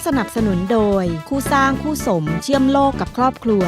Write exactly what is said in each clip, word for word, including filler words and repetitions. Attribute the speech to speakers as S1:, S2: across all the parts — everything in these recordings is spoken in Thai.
S1: สนับสนุนโดยคู่สร้างคู่สมเชื่อมโลกกับครอบครัว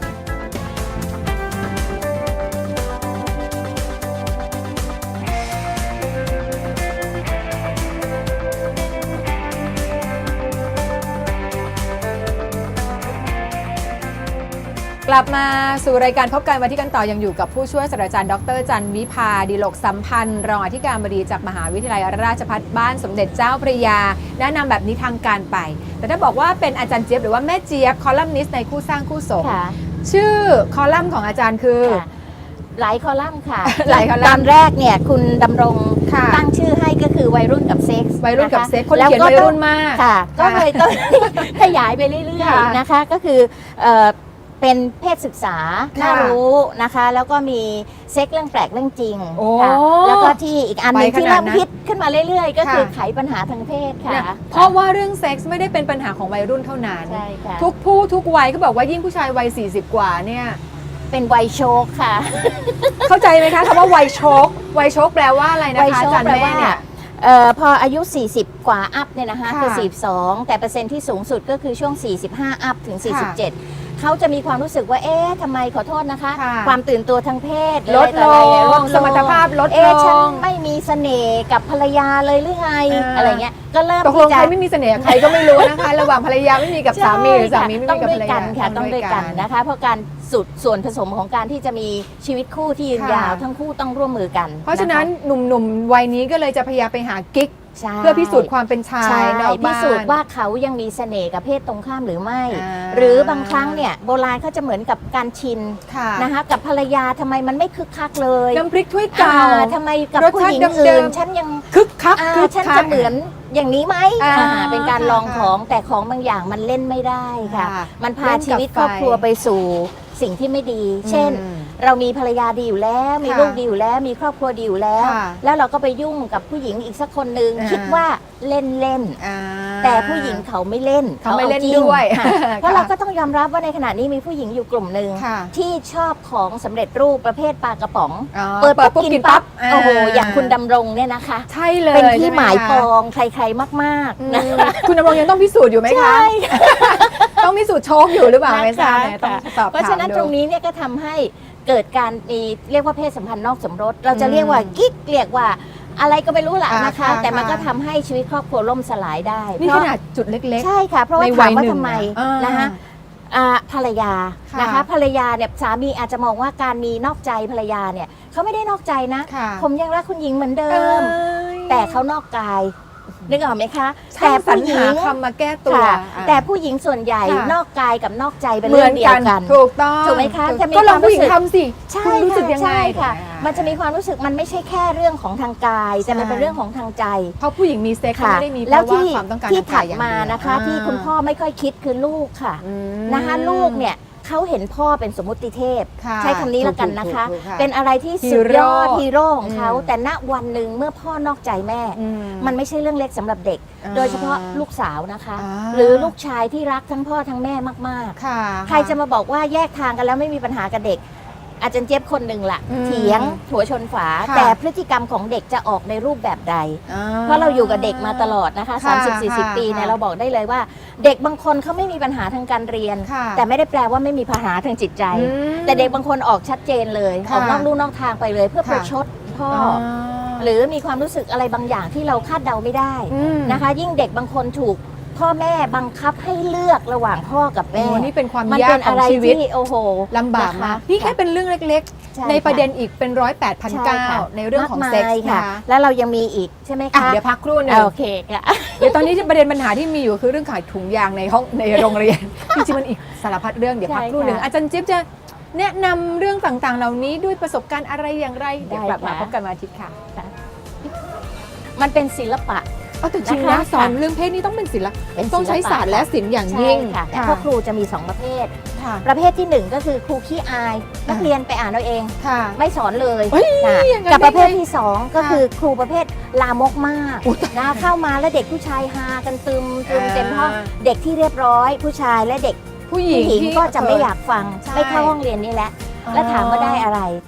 S2: กลับมาสู่รายการพบกันวันที่กันต่อยังอยู่กับผู้ช่วยศาสตราจารย์ดรจันวิภาดิโลกสัมพันธ์รองอธิการบดีจากมหาวิทยาลัยราชภัฏบ้านสมเด็จเจ้าพระยาแนะนำแบบนี้ทางการไปแต่ถ้าบอกว่าเป็นอาจารย์เจี๊ยบหรือว่าแม่เจี๊ยบคอลัมนิสต์ในคู่สร้างคู่สมชื่อคอลัมน์ของอาจารย์คือ
S3: หลายคอลัมน์ค่ะ
S2: หลายคอลัมน์ต
S3: อนแรกเนี่ยคุณดำรงตั้งชื่อให้ก็คือวัยรุ่นกับเซ็กส์
S2: วัยรุ่นกับเซ็กส์คนเขียนวัยรุ่นมาก
S3: ค่ะก็เลยต้องขยายไปเรื่อยๆนะคะก็คือเป็นเพศศึกษาน่ารู้นะคะแล้วก็มีเซ็กเรื่องแปลกเรื่องจริงค่ะแล้วก็ที่อีกอันหนึ่งที่เริ่มฮิตขึ้นมาเรื่อยๆก็คือไขปัญหาทางเพศค่ะ
S2: เพราะว่าเรื่องเซ็กส์ไม่ได้เป็นปัญหาของวัยรุ่นเท่านั้นทุกผู้ทุกวัยเขาบอกว่ายิ่งผู้ชายวัยสี่สิบกว่าเนี่ย
S3: เป็นวัยโชคค่ะ
S2: เข้าใจไหมคะคำว่าวัยโชควัยโชคแปลว่าอะไรนะคะอาจารย์แม่เนี่ย
S3: เอ่อพออายุสี่สิบกว่าอัพเนี่ยนะคะคือสี่สิบสองแต่เปอร์เซ็นต์ที่สูงสุดก็คือช่วงสี่สิบห้าอัพถึงสี่สิบเจ็ดเขาจะมีความรู้สึกว่าเอ๊ะทำไมขอโทษนะคะความตื่นตัวทางเพศ
S2: ลดลงสมรรถภาพลดลง
S3: เอ๊ะฉันไม่มีเสน่ห์กับภรรยาเลยหรือไงอะไรเงี้ยก็เริ่ม
S2: ตกลงใครไม่มีเสน่ห์ใครก็ไม่รู้นะคะระหว่างภรรยาไม่มีกับสามีหรือสามีไม่มีกับภรรยา
S3: ค่ะต้องด้วยกันนะคะเพราะการสุดส่วนผสมของการที่จะมีชีวิตคู่ที่ยืนยาวทั้งคู่ต้องร่วมมือกัน
S2: เพราะฉะนั้นหนุ่มๆวัยนี้ก็เลยจะพยายามไปหากิ๊กเพื่อพิสูจน์ความเป็นชายนอกบ้าน
S3: พิสูจน์ว่าเขายังมีเสน่ห์กับเพศตรงข้ามหรือไม่ หรือบางครั้งเนี่ยโบราณเขาจะเหมือนกับการชินนะคะกับภรรยาทำไมมันไม่คึกคักเลย
S2: น้ำพริกถ้วยเก่า
S3: ทำไมกับผู้หญิงอื่นฉันยัง
S2: คึกคัก
S3: ฉันจะเหมือนอย่างนี้ไหมเป็นการลองของแต่ของบางอย่างมันเล่นไม่ได้ค่ะมันพาชีวิตครอบครัวไปสู่สิ่งที่ไม่ดีเช่นเรามีภรรยาดีอยู่แล้วมีลูกดีอยู่แล้วมีครอบครัวดีอยู่แล้วแล้วเราก็ไปยุ่งกับผู้หญิงอีกสักคนนึงคิดว่าเล่นเล่นแต่ผู้หญิงเขาไม่เล่น
S2: เขาไม่เล่นด้วย
S3: เพราะเราก็ต้องยอมรับว่าในขณะนี้มีผู้หญิงอยู่กลุ่มหนึ่งที่ชอบของสำเร็จรูปประเภทปลากระป๋องเปิดปุ๊บกินปั๊บโอ้โหอย่างคุณดำรงเนี่ยนะคะ
S2: ใช่เลย
S3: เป็นที่หมายปองใครๆมากๆนะ
S2: คุณดำรงยังต้องพิสูจน์อยู่ไหมคะต้องพิสูจน์โชคอยู่หรือเปล่าไม่ทราบต้องตอบ
S3: เพราะฉะนั้นตรงนี้เนี่ยก็ทำให้เกิดการมีเรียกว่าเพศสัมพันธ์นอกสมรสเราจะเรียกว่ากิ๊กเรียกว่าอะไรก็ไม่รู้แหละนะคะแต่มันก็ทำให้ชีวิตครอบครัวล่มสลายได้
S2: นี่ขนาดจุดเล็ก
S3: ๆใช่ค่ะเพราะว่าถามว่าทำไมนะคะภรรยานะคะภรรยาเนี่ยสามีอาจจะมองว่าการมีนอกใจภรรยาเนี่ยเขาไม่ได้นอกใจนะผมยังรักคุณหญิงเหมือนเดิมแต่เขานอกกายนึกออกไหมคะ
S2: แต่ผู้หญิงคำมาแก้ตัว
S3: แต่ผู้หญิงส่วนใหญ่นอกกายกับนอกใจเป็นเรื่องเดียวกัน
S2: ถูกต้อง
S3: ถูกไหมคะ
S2: ก็ลองผู้หญิงทำสิ
S3: คุณ
S2: รู้สึกยังไง
S3: ค่ะมันจะมีความรู้สึกมันไม่ใช่แค่เรื่องของทางกายแต่มันเป็นเรื่องของทางใจ
S2: เพราะผู้หญิงมีเซ็กซ์ไม่ได้มีเพราะว่าความต้องการ
S3: ที่ถัดมานะคะที่คุณพ่อไม่ค่อยคิดคือลูกค่ะนะคะลูกเนี่ยเขาเห็นพ่อเป็นสมมุติเทพใช้คำนี้แล้วกันนะคะเป็นอะไรที่สุดยอดฮีโร่ของเขาแต่ณวันหนึ่งเมื่อพ่อนอกใจแม่มันไม่ใช่เรื่องเล็กสำหรับเด็กโดยเฉพาะลูกสาวนะคะหรือลูกชายที่รักทั้งพ่อทั้งแม่มากๆใครจะมาบอกว่าแยกทางกันแล้วไม่มีปัญหากับเด็กอาจารย์เจี๊ยบคนหนึ่งละเถียงหัวชนฝาแต่พฤติกรรมของเด็กจะออกในรูปแบบใดเพราะเราอยู่กับเด็กมาตลอดนะคะ สามสิบสี่สิบ ปีเนี่ยเราบอกได้เลยว่าเด็กบางคนเขาไม่มีปัญหาทางการเรียนแต่ไม่ได้แปลว่าไม่มีปัญหาทางจิตใจแต่เด็กบางคนออกชัดเจนเลยออกนอกลู่นอกทางไปเลยเพื่อประชดพ่อหรือมีความรู้สึกอะไรบางอย่างที่เราคาดเดาไม่ได้นะคะยิ่งเด็กบางคนถูกพ่อแม่บังคับให้เลือกระหว่างพ่อกับแม่
S2: นี่เป็นความยากของชีวิต
S3: โอ้โห
S2: ลำบากมากนี่แค่เป็นเรื่องเล็กๆในประเด็นอีกเป็นร้อยแปดพันเก้าในเรื่องของเซ็กส์ค่ะ
S3: แล้วเรายังมีอีกใช่ไหมคะ
S2: เดี๋ยวพักครู่นึง
S3: โอเคค่ะ
S2: เดี๋ยวตอนนี้ประเด็นปัญหาที่มีอยู่คือเรื่องขายถุงยางในห้องในโรงเรียนจริงๆมันอีกสารพัดเรื่องเดี๋ยวพักครู่นึงอาจารย์จิ๊บจะแนะนำเรื่องต่างๆเหล่านี้ด้วยประสบการณ์อะไรอย่างไรเดี๋ยวกลับมาพบกันวันอาทิตย์ค่ะ
S3: มันเป็นศิลปะ
S2: เอาแต่จริงนะสอนเรื่องเพศนี่ต้องเป็นศิลปะต้องใช้ศาสตร์และศิลป์อย่างยิ่ง
S3: ค่ะแต่พวกครูจะมีสองประเภทประเภทที่หนึ่งก็คือครูขี้อายนักเรียนไปอ่านเอาเองไม่สอนเลยกับประเภทที่สองก็คือครูประเภทลามกมากนะเข้ามาแล้วเด็กผู้ชายฮากันตึมตึมเต็มห้องเด็กที่เรียบร้อยผู้ชายและเด็กผู้หญิงก็จะไม่อยากฟังไม่เข้าห้องเรียนนี่แหละแล้วถามว่าได้อะไร